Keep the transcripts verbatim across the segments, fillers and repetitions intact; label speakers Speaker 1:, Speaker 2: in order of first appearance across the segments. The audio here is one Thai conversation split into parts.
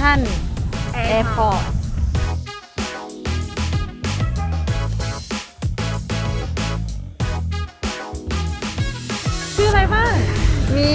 Speaker 1: ทรัลแอร์พอร์ตชื่ออะไรบ้างมี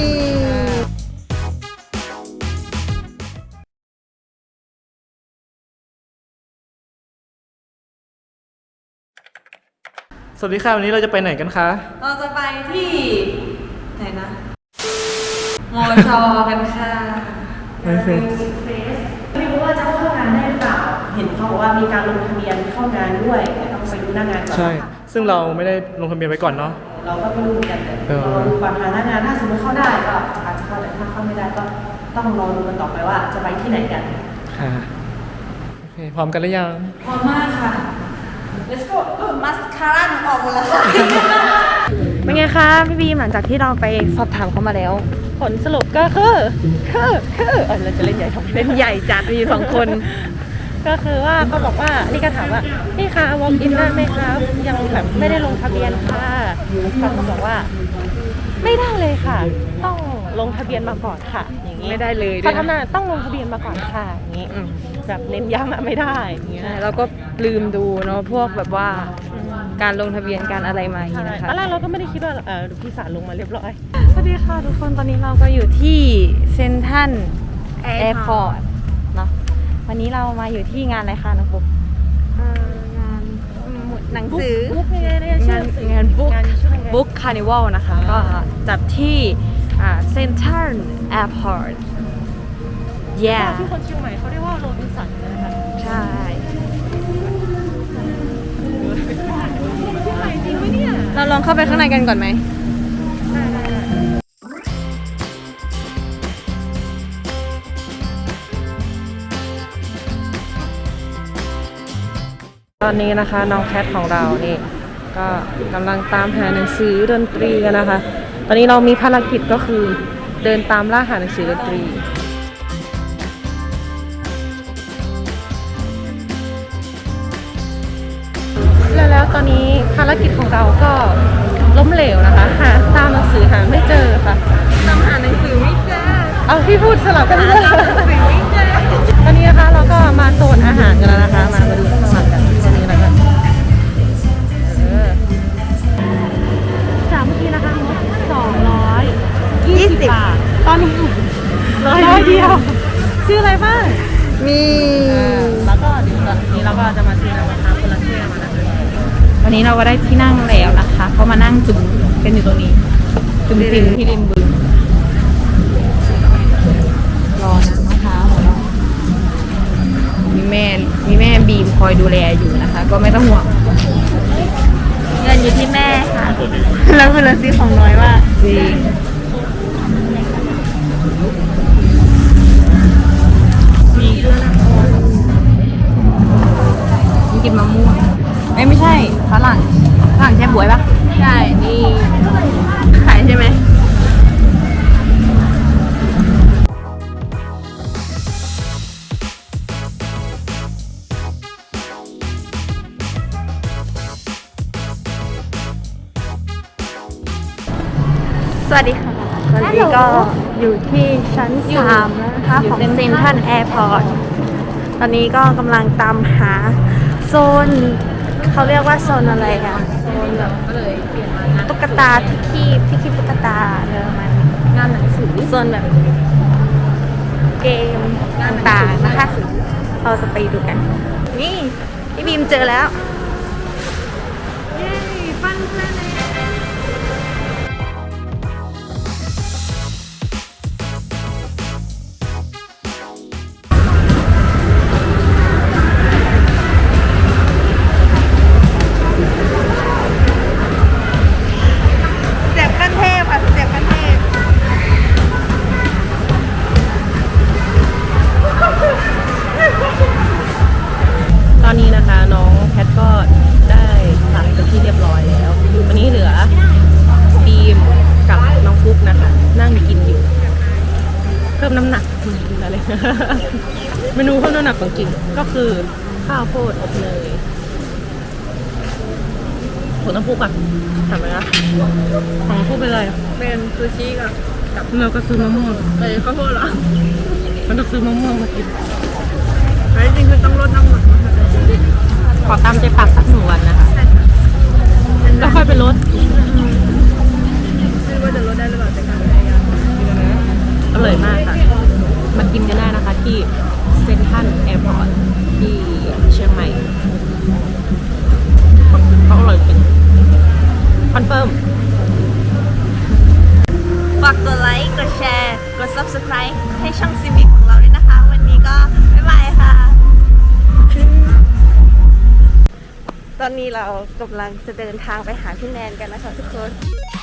Speaker 2: สวัสดีค่ะวันนี้เราจะไปไหนกันคะ
Speaker 1: เราจะไปที่ไหนนะมอชอกันค่ะ
Speaker 2: ไม่เคย
Speaker 3: ไม่รู้ว่าจะเข้างานได้หรือเปล่า เห็นเขาบอกว่ามีการลงทะเบียนเข้างานด้วยแต่ต้องไปดูหน้างานก่อน
Speaker 2: ใช่ ซึ่งเราไม่ได้ลงทะเบียนไว้ก่อนเนาะ
Speaker 3: เราก็ไม่รู้เหมือนกันแต่
Speaker 2: เออ
Speaker 3: รอดูก่อนหาหน้างานถ้าสมมติเข้าได้ก็อาจจะเข้าแต่ถ้าเข้าไม่ได้ก็ต้องรอดูกันต่อไปว่าจะไปที่ไหนกัน
Speaker 2: ค่ะโอเคพร้อมกันหรือยัง
Speaker 1: พร้อมมากค่ะ let's go มัสคาร่าหนูออกหมดแล้วค่ะ เป็นไงคะพี่บีมหลังจากที่เราไปสอบถามเขามาแล้ว ผลสรุปก็คือคือคือเออเราจะเล่นใหญ่ทำเล่นใหญ่จัดมีสองคน ก็คือว่าเขาบอกว่านี่ก็ถามว่านี่ค่ะ walk in ได้ไหมครับยังแบบไม่ได้ลงทะเบียนค่ะเขาบอกว่า ไม่ได้เลยค่ะ ต้องลงทะเบียนมาก่อนค่ะอย่างนี้ไม่ได้เลยเขาทำงานต้องลงทะเบียนมาก่อนค่ะอย่างนี้แบบเน้นย้ำอะไม่ได้อย่างเงี้ย
Speaker 4: เราก็ลืมดูเนาะพวกแบบว่าการลงทะเบียนการอะไรมาอย่างนี้นะคะ
Speaker 1: ตอนแรกเราก็ไม่ได้คิดว่าเออพี่สารลงมาเรียบร้อย
Speaker 4: สวัสดีค่ะทุกคนตอนนี้เราก็อยู่ที่เซ็นทรัลแอร์พอร์ตเนาะวันนี้เรามาอยู่ที่งานอะไรคะน้องปุ๊บงานหนังสือ
Speaker 1: บุ๊กไงเนี่ย
Speaker 4: งานงานบุ๊ก
Speaker 1: งานชื่อไง
Speaker 4: บุ๊กคาร์นิวัลนะคะก็จัดที่เซ็นทรัลแอร์พอร์ตแย่
Speaker 1: ที่คนเชียงใหม่เขาเรียกว่าโรบินสันนะคะ
Speaker 4: ใช่
Speaker 1: ที่ใหม่จริงไหมเนี่ย
Speaker 4: เราลองเข้าไปข้างในกันก่อนไหมตอนนี้นะคะน้องแคทของเรานี่ก็กำลังตามหาหนังสือดนตรีกันนะคะ ตอนนี้เรามีภารกิจก็คือเดินตามล่าหาหนังสือดนตรีแล้วแล้วตอนนี้ภารกิจของเราก็ล้มเหลวนะคะหาตามหนังสือหาไม่เจอค่ะตามหาหนังสือไม่เจอเอาพี่พูดสลับกันเลยตอนนี้นะคะเราก็มาโซนอาหารกันแล้วนะคะมามาดูข้างหลังกันตอนนี้นะคะจากเมื่อกี้นะคะสองร้อยยี่สิบบาทตอนนี้ร้อยเดียวชื่ออะไรบ้างมีแล้วก็เดี๋ยวตอนนี้เราก็จะมาซื้อน้ำมะพร้าวคนละแก้วมานะคะวันนี้เราก็ได้ที่นั่งแล้วนะคะก็มานั่งจุ่มกันอยู่ตรงนี้จุ่มจิมที่ริมบึงรอน้ำมะพร้าวของเรามีแม่มีแม่บีมคอยดูแลอยู่นะคะ ก็ไม่ต้องห่วงเงินอยู่ที่แม่ค่ะแล้วเวลาซื้อของน้อยว่าจริงมีกินมะม่วงเอ้ยไม่ใช่ฝรั่งฝรั่งใช่บวยปะใช่นี่ขายใช่ไหมสวัสดีค่ะวันนี้ก็อยู่ที่ชั้นสามแล้วนะคะของเซ็นทรัลแอร์พอร์ตตอนนี้ก็กำลังตามหาโซนเขาเรียกว่าโซนอะไรอะโซนแบบตุ๊กตาที่คีบที่คีบตุ๊กตาเนอะมันงานหนังสือโซนแบบเกมต่างๆนะคะเราจะไปดูกันนี่พี่บีมเจอแล้วเย้ฟันเพลนตอนนี้นะคะน้องแพทก็ได้สั่งเป็นที่เรียบร้อยแล้ววันนี้เหลือบีมกับน้องฟุกนะคะนั่งกินอยู่เพิ่มน้ำหนักอะไร เมนูเพิ่มน้ำหนักของกินก็คือข้าวโพดอบเนยของน้องฟุกอ่ะทำไหมนะของน้องฟุกเป็นอะไรเป็นซูชิกับเราก็ซื้อมะม่วงไปข้าวโพดเหรอมันต้องซื้อมะม่วงมากิน
Speaker 1: แล้วจริงๆคือต้องลดน้ำหนัก
Speaker 3: ขอตามใจปากสักหนึ่งวันนะคะแล้วค่อยไปลด
Speaker 1: ไม่รู้ว่าจะลดได้หรือเปล่าแต่การพยายาม
Speaker 3: อร่อยมากค่ะ มากินกันได้นะคะที่เซ็นทรัลแอร์พอร์ตที่เชียงใหม่เขาอร่อยจริงคอนเฟิร์ม
Speaker 4: ฝากกดไลค์ กดแชร์ กด subscribe ให้ช่องซิมิของเราด้วยนะคะ วันนี้ก็ บ๊ายบายค่ะ ตอนนี้เรากำลังจะเดินทางไปหาพี่แนนกันนะคะทุกคน